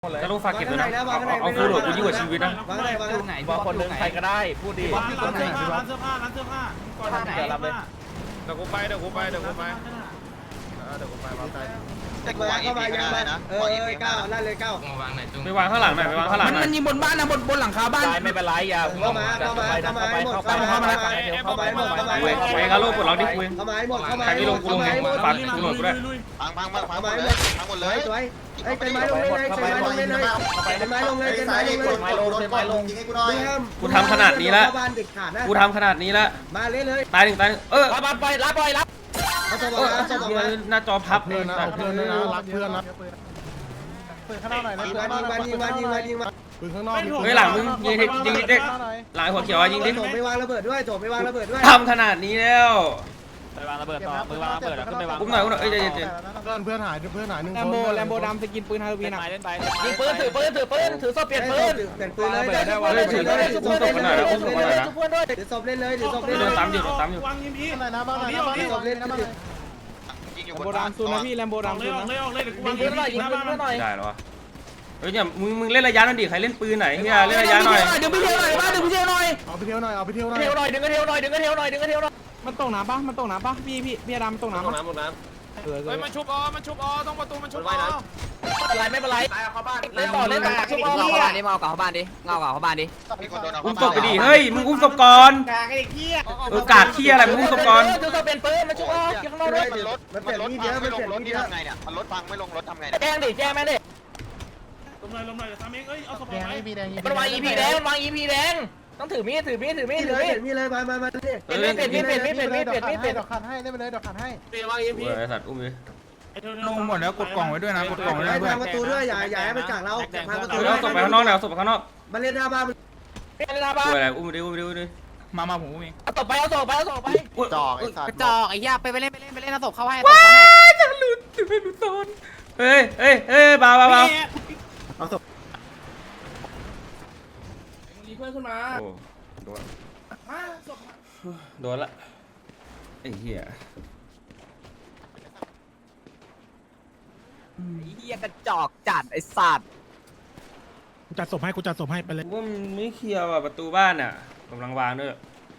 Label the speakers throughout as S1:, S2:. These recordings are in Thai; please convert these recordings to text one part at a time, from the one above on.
S1: จะรู้ฝากเก็บด้วยนะเอาฟูโรดกูยิ่งกว่าชีวิตนะ
S2: วางไหน
S3: บางคนนึงใครก็ได้พูดดี
S2: ร้านเสื้อผ้าก่อนไหนรับเลย
S4: เดี๋ยวกูไปวางใจ
S5: แต่กูวางอีพีก็ได้นะ
S2: ก้าวลั่นเลยก้าว
S1: ไปวางข้างหลังหน่อยไปวางข้างหลังหน่อย
S2: มันยิงบนบ้านนะบนหลังคาบ้าน
S3: ไม่เป็นไรอย่าเข้ามา
S1: ไปกาโลปลดล็อกดิคุย
S2: เข้ามาให้หมดเข้ามา
S1: ใครไม่ลงกูลงเองฝากฟูโรดกูด้วย
S5: พังหมดเลย
S2: สวยไอ้เป็นไม้ลงเลยเป็นไม้ลงเลยเป็นไม้ลงเลยเป็นไม้ลง
S1: กูทำขนาดนี้แล้วกูทำขนาดนี้แล้ว
S2: มาเล่นเลย
S1: ตายหนึ่งตาย
S3: รับไปรับ
S2: เอาตัวมาเอาตัวมา
S1: หน้าจอพับ
S4: เพื่อนนะเพื่อนนะรักเพื่อนนะปืนข้างนอกหน่อยนะ
S2: ยิงมา
S4: ปืนข้างนอก
S1: เฮ้ยหลังมึงยิงเด็กหลังหัวเขียวยิงดิ
S2: โถไม่วางระเบิดด้วยโถไม่วางระเบิดด้วย
S1: ทำขนาดนี้แล้ว
S3: ไปวางระเบิดต่อมือวางระเบิดขึ้นไปวาง
S1: อุ้มหน่อยเอ้ยใจเย็น
S4: เพื่อนหายหนึ่ง
S6: แลมโบดำสกินปืนฮาโลวีนอ่ะ
S3: เล่นไปยิงปืนถือโซ่เปลี่ยนปืน
S2: เปลี่ยนปืนเลย
S1: ถือศพกันหน่อยนะอุ้มศพกันหน่อยนะ
S2: ถือศพเล่นเลยถือศพเล่น
S1: โด
S2: เลย
S1: นซ้ำอยู่
S4: วางยิงพี่อะไรนะบ้างอะไรนะ
S2: ถือศพเล่น
S5: ยิงอยู่
S6: แลม
S5: บ
S6: โบ
S5: นบ้าน
S6: ดำซูนนะพี่แลมโบดำซูนนะ
S3: ยิงปืนหน่อยยิงปืนหน่อย
S1: ได้แล้ววะเฮ้ยเนี่ยมึงเล่นระยะนั่นดิใครเล่นปืนไหนเฮียเล่นระยะหน่อย
S6: เดี๋ยวไปเที่ยวหน่อยบ้านเดี๋ยวไปเที่ยวหน่อย
S4: เอาไปเที่ยวหน่อยเอาไปเที่ยวหน่อย
S3: เที่ยวหน่อยดึงกระเที่ยวหน่อยดึงกระเที่ยวหน่อยดึงกระเที่ยวหน่อย
S6: มันตกน้ำปะมันตกน้ำปะพี่ดำมันตกน้ำปะเฮ้ย
S4: มันชุบต้องประตูมันชุบ
S3: ไม่เป็นไรเล่นต่อชุบ
S7: เงาเข้าบ้านดิเงาเข้าบ้านดิเงาเข้าบ้านดิ
S5: มีคนโดนเอา
S1: อุ้มศพไปดิเฮ้ยมึงอุ้มศพก่อนกาดเที่ยอะไรมึงอุ้มศพก่อน
S3: ถือโซ่เปลี่ยนปืนมาชุบข้างนอกด้วย
S5: มันพังไม่ลงรถที่ทำไงเนี่ยมันรถพังไม่ลงรถทำไงเนี่ย
S3: แจ้งดิแจ้งแม่ดิ
S2: ลงหน่อยทำเองเอ้ยเอาศพไป
S3: มันวาง EP แดงมันวาง EP แดงต้องถือมีด
S2: มีเลยมีเลยมาดิ
S3: เปลี่ยนมีด
S4: ดอกคันให้ได้ไปเลยดอกคันให้
S1: ไอ้สัตว์อุ้มดิ
S6: ลงหมดแล้วกดกล่องไว้ด้วยนะกดกล่องไว้ด้วย
S2: ทางประตูด้วยอย่าให้มันจากเราทางประตู
S1: เอาศพไปข้างนอกหน่อยเอาศพไปข้างนอก
S2: มาเล่นหน้าบ้าน
S3: เป็นอะไรบ้าง
S1: อะไรอุ้มดิ
S6: มาผมมี
S3: เอาต่อไปเอาต่อไป
S5: จอกไอ้สัต
S7: ก
S5: ว์
S7: ระจอกไอ้ย่าไปเล่นเอาศพเข้าให้
S1: จะหลุดถึงไม่หลุดโซนเฮ้ยเบา
S2: มีเพื่อนขึ้นมา
S1: โอ้โดนละไอ้เหี้ย
S7: เฮียกระจอกจัดไอ้สัตว์
S4: กูจัดศพให้ไปเลย
S1: ว่ามันไม่เคลียร์ว่ะประตูบ้านอ่ะกำลังวางด้วย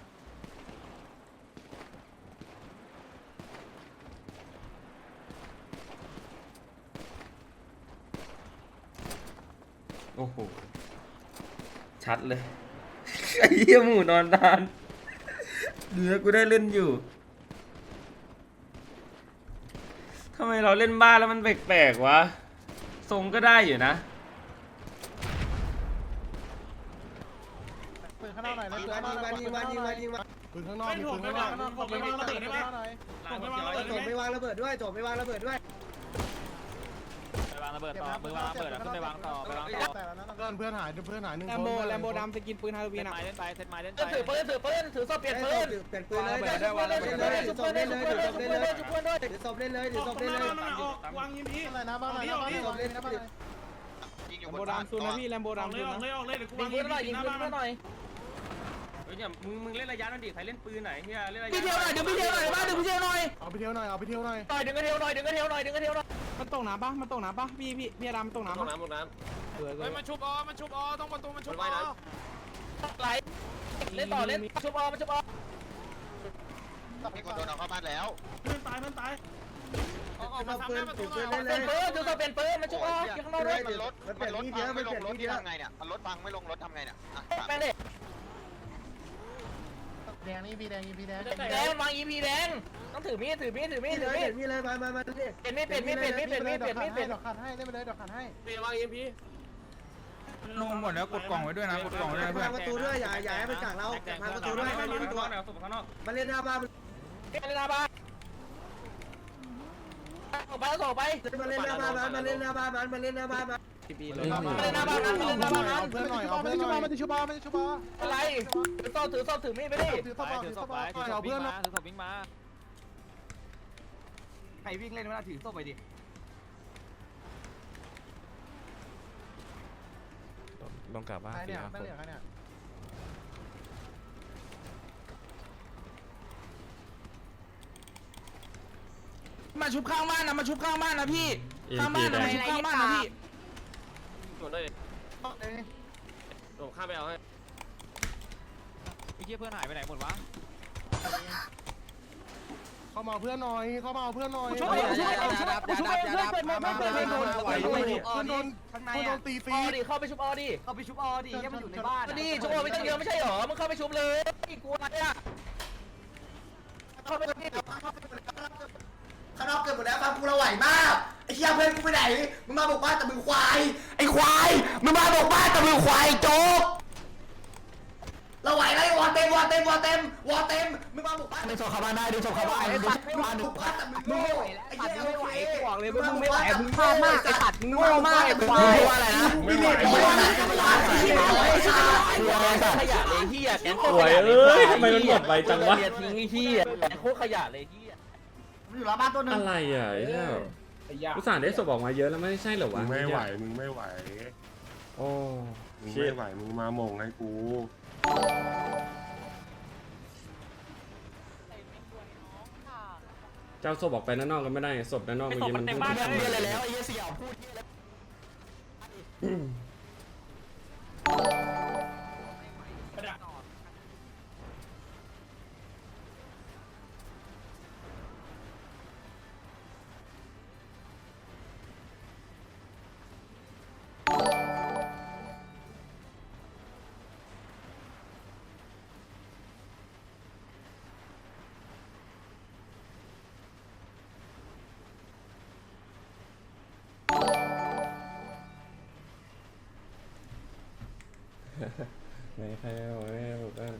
S1: โอ้โหชัดเลยไอ้เหี้ยหมูนอนนานเนื้อกูได้เล่นอยู่ทำไมเราเล่นบ้านแล้วมันแปลกๆวะทรงก็ได้อยู่นะ
S4: ปืนข้างนอกหน่อยนะ
S2: ยิงมา
S4: ปืนข้างนอกปืนข้างนอก
S2: โถไม่วางระเบิดด้วยโถไม่วางระเบิดด้วย
S3: ไปวางระเบิดต่อมือวางระเบิดขึ้นไปวางต่อไปวางต่อ
S4: เพื่อนหายหนึ่ง
S6: แลมโบดำสกินปืนฮาโลวีนอ่ะ
S3: เล่นไปถือปืนถือโซ่เปลี่ยนปืน
S2: เปลี่ยนปืนเลยถือศพเล่นเลยถือศพเล่นเลยถือศพเล่นเลยถือศพเล่นเลย
S4: วางยิงพี่อะไรนะบ้างอะไรนะบ้าง
S5: ยิงอ
S6: แล
S5: ยู่
S6: ม
S5: บ
S6: โบ
S5: นบ้าน
S6: ดำซูนนะพี่แลมโบดำซูนนะ
S3: ยิงปืนหน่อยยิงปืนหน่อย
S1: เฮ้ยเนี่ยมึงเล่นระยะนั่นดิใครเล่นปืนไหนเฮียเล่นระยะ
S6: ไปเที่ยวหน่อยเดี๋ยวไปเที่ยวหน่อยบ้านเดี๋ยวไปเที่ยวหน่อย
S4: เอาไปเที่ยวหน่อย
S3: ต่อยดึงกระเที่ยวหน่อยดึงกระเที่ยวหน่อย
S6: มันตกน้ำปะมันตกน้ำปะพี่ดำมันตกน้ำปะเฮ้ย
S4: มันชุบต้องประตูมันชุบ
S3: ไหลเล่นต่อเล่นชุบมันชุบ
S5: มีคนโดนเอาเข้าบ้านแล้ว
S2: เพื่อนตายถือปืนถือปืนเล่นเล
S3: เป็น
S2: ย
S3: ปืนถือโซ่เปลี่ยนปืนมาชุบข้างนอกด้วย
S5: มันรถพังไม่ลงรถที่ทำไงเนี่ยมันรถพังไม่ลงรถทำไงเนี่ย
S3: แม่เด็ก
S4: แดงนี่พี่แดง
S3: แดงวาง EP แดงต้องถือมีด
S2: มีเลยมีเลยมาดิ
S3: เปลี่ยนมีด
S4: ดอกคันให้ได้ไปเลยดอกคันให้
S6: ลงหมดแล้วกดกล่องไว้ด้วยนะกดกล่องไว้ด้วยเพื่อ
S2: ทาน งประตูด้วยอย่าให้มันจากเราทางประตูด้วย
S1: ข้างนอกเอาศพข้างนอก
S2: มาเล่นหน้าบ้าน
S3: เป็นอะไรบ้างออกไปออกไป
S2: มาเล่นหน้าบ้านมาเล่นหน้าบ้านมาเล่นหน้าบ้านมา
S3: เล่นหน้าบ้านนั้นเล่นหน้าบ้านนั้น
S4: เพื่อนหน่อยเอาเพื่อนหน่อยมันจะชุบ
S3: อะไรถือโซ่ถือมีดไปดิ
S4: ถือศพเอาเพื่อนมา
S7: ใครวิ่งเล่นไม่ได้ถือศพไปดิ
S4: ลงกลับบ้านเนี่ยไม่เหลือเนี่ย
S6: มาชุบข้างบ้านนะพี่ข้างบ้านนะพี่
S8: ผมได้ผมข้ามไปเอาให้
S3: ไอ้เหี้ยเพื่อนหายไปไหนหมดวะ
S4: เข้ามาเพื่อนหน่อยเข้ามาเพื่อนหน่อย
S7: ช่วยช่วยช่วยช่วยเพื่อนเปิดไม่เปิดไม่โดน
S4: เพื่อนโดน
S7: ข้างใน
S4: เพื่อนโด
S7: อ่ะ
S4: นตีฟรี
S7: เข้าไปชุบออดิเข้าไปชุบออดิยังมันอยู่ในบ้านดิชุบออไม่ต้องเยอะไม่ใช่หรอมึงเข้าไปชุบเลยกลัวอะไรอ่ะเข้าไปเลย
S2: ข้างนอกเกิดหมดแล้วฟังกูเราไหวมากไอ้เชี่ยเพื่อนกูไปไหนมึงมาบอกบ้านแต่มึงควายไอ้ควายมึงมาบอกบ้านแต่มึงควายโจ๊กเราไหวแล้ววอเต็มมึงมาบอกบ้านดึงศพเข้าบ้านได้ดึงศพเข้าบ้านมาดึงบ้านแต่มึงโง่ไอ้เชี่ยไม่ไหวกูบอกเลยมึงไม่ไหวมึงพลาดมากไอ้สัตว์มึงโง่มากไอ้ควายมึงว่าอะไรนะไม่ไหวขยะเลยเฮียแกง
S1: สวยเอ้ยทำไมมันหมดไวจังวะ
S7: ทิ้งไอ้เฮียแกงโคตรขยะเลยเฮียมันอยู่หลังบ้านตัวนึง
S1: อะไรอ่ะไอ้เนี่ยอุตส่าห์ได้ศพออกมาเยอะแล้วไม่ใช่เหรอ
S4: มึ
S1: วะ
S4: งไม่ไหวมึงไม่ไหว
S1: โอ้
S4: มึง
S1: ชิ
S4: ไม่
S1: ต
S4: ไหวมึงมาหม่งให้กู
S1: เจ้าศพออกไปด้านนอกก็ไม่ได้ศพด้านนอกเมื่อกี้มัน
S7: เต็มบ้านเลยแล้วไอ้เฮียสยามพูด
S1: ไหนใครเอาไว้แบบว่า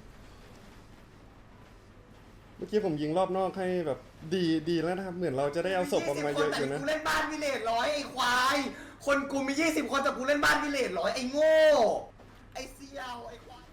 S1: เมื่อกี้ผมยิงรอบนอกให้แบบดีแล้วนะครับเหมือนเราจะได้เอาศพออกมาเยอะอยู่นะ
S2: กูเล่นบ้านวิเลจ100ไอ้ควายคนกูมี20คนแต่กูเล่นบ้านวิเลจ100ไอ้โง่ไอ้เสี่ยวไอ้ควาย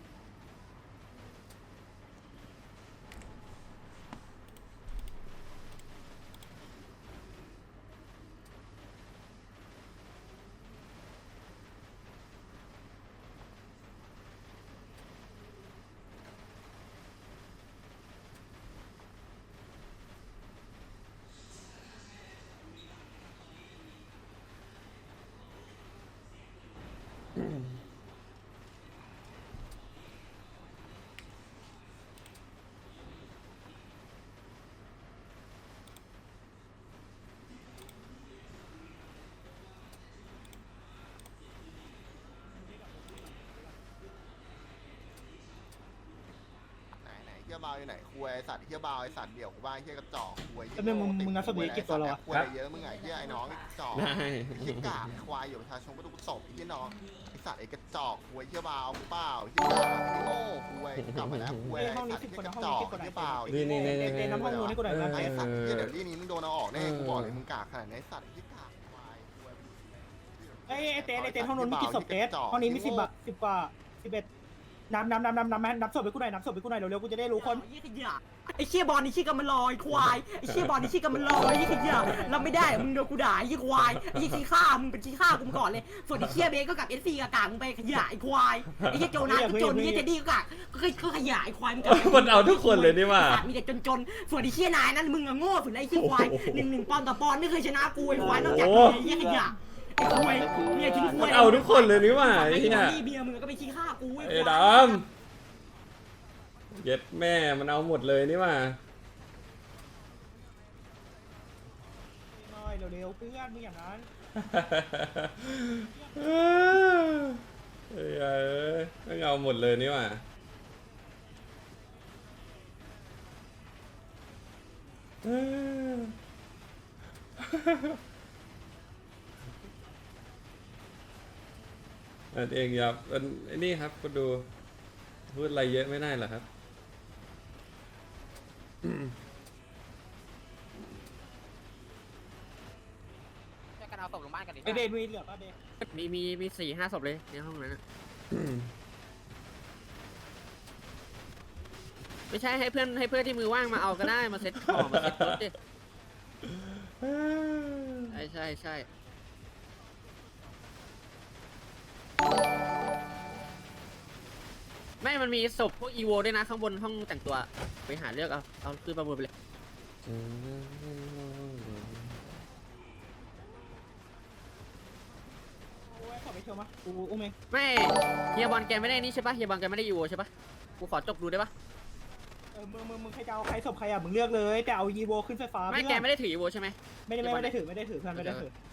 S5: ไหนเฮียบาวอยู่ไหนคุยไอสัตว์เฮียบาวไอสัตว์เดี่ยวกูบ้าเฮียกระจอกคุย
S6: มึงนับสบีกี่ตัวแล้ววะ
S5: คุยเยอะมึงไงเฮียไอ้น้องไอ้จอก
S1: ได้
S5: เฮียกาควายอยู่ประชาชนก็ต้องศพเฮียน้องไอสัตว์ไอ้กระจอกคุยเฮียบาวเปล่าเฮียกาไอ้โง่คุยกลับมาแล้วคุยไอ้สัตว์เฮียกระจอกเฮียเปล่า
S1: นี่
S6: น้ำห้องนู้นนี่กูหน่อยนะ
S5: ไอ้สัตว์เฮียเดี๋ยวนี้มึงโดนเอาออกแน่กูบอกเลยมึงกากขนาดนี้ไอ้สัตว์เฮียกาควายคุย
S6: ไอ้เต้ห้องนู้นมีกี่ศพเต้ห้องนี้มี10 10 กว่า 11นับศพไปกูหน่อยนับศพไปกูหน่อยเร็วๆกูจะได้รู้คน
S7: ไอ้เชี่ยบอลนี่ชี้กันมันลอยควายไอ้เชี่ยบอลนี่ชี้กันมันลอยยี่ขยะรับไม่ได้มึงโดนกูด่ายี่ควายไอ้ยี่ขี้ข้ามึงเป็นขี้ข้ากูก่อนเลยส่วนไอ้เชี่ยเบสก็กับเอสซีกับกากมึงไปขยะไอ้ควายไอ้เชี่ยโจนัสก็จนไอ้เชี่ยเจดี้ก็กากก็ขยะไอ้ควายมึง
S1: มันเอาทุกคนเลยนี่ว่า
S7: มีแต่จนส่วนไอ้เชี่ยนายนั้นมึงอะโง่สุดไอ้เชี่ยควาย1-1ปอนต่อปอนไม่เคยชนะกูไอ้ควายนอกจากไอ้ยี่ขยะไอ้ควายเนี่ยทิ้งควาย
S1: มันเอาทุกคนเลยนี่ว่าไอ้
S7: ไอ้
S1: เหี้ย
S7: เบียร์มึงก็ไปขี้ข้ากูไอ้
S1: ไอ้
S7: ควา
S1: ด
S7: ย
S1: ำเย็ดแม่มันเอาหมดเลยนี่ว่า
S6: เร็วๆเพื่อนมึงอย่างนั้น
S1: เอ้ยมันเอาหมดเลยนี่ว่าอันเองครับอันนี้ครับก็ดูพูดอะไรเยอะไม่ได้หรอครับ
S7: กันเอาศพลงบ้านกันดิ
S6: ไอเดนมีเหลือป่ะเดน
S7: มี4-5ศพเลยในห้องนั้นไม่ใช่ให้เพื่อนที่มือว่างมาเอาก็ได้มาเซ็ตของมาเซ็ตรถดิใช่ไม่มันมีศพพวกอีโวด้วยนะข้างบนห้องแต่งตัวไปหาเลือกเอาคือประมูลไปเลย
S6: ไปเชียวมากูอุ้มเอง
S7: ไม่เฮียบอลแกไม่ได้นี่ใช่ปะเฮียบอลแกไม่ได้ยูใช่ปะกูขอจกดูได้ปะ
S6: มึงใครจะเอาใครศพใครอ่ะมึงเลือกเลยแต่เอายีโวขึ้นไฟฟ้า
S7: ไม่แกไม่ได้ถือยูใช่ไหม
S6: ไม่ได้ถือเพื่อนไม่ได้ถือ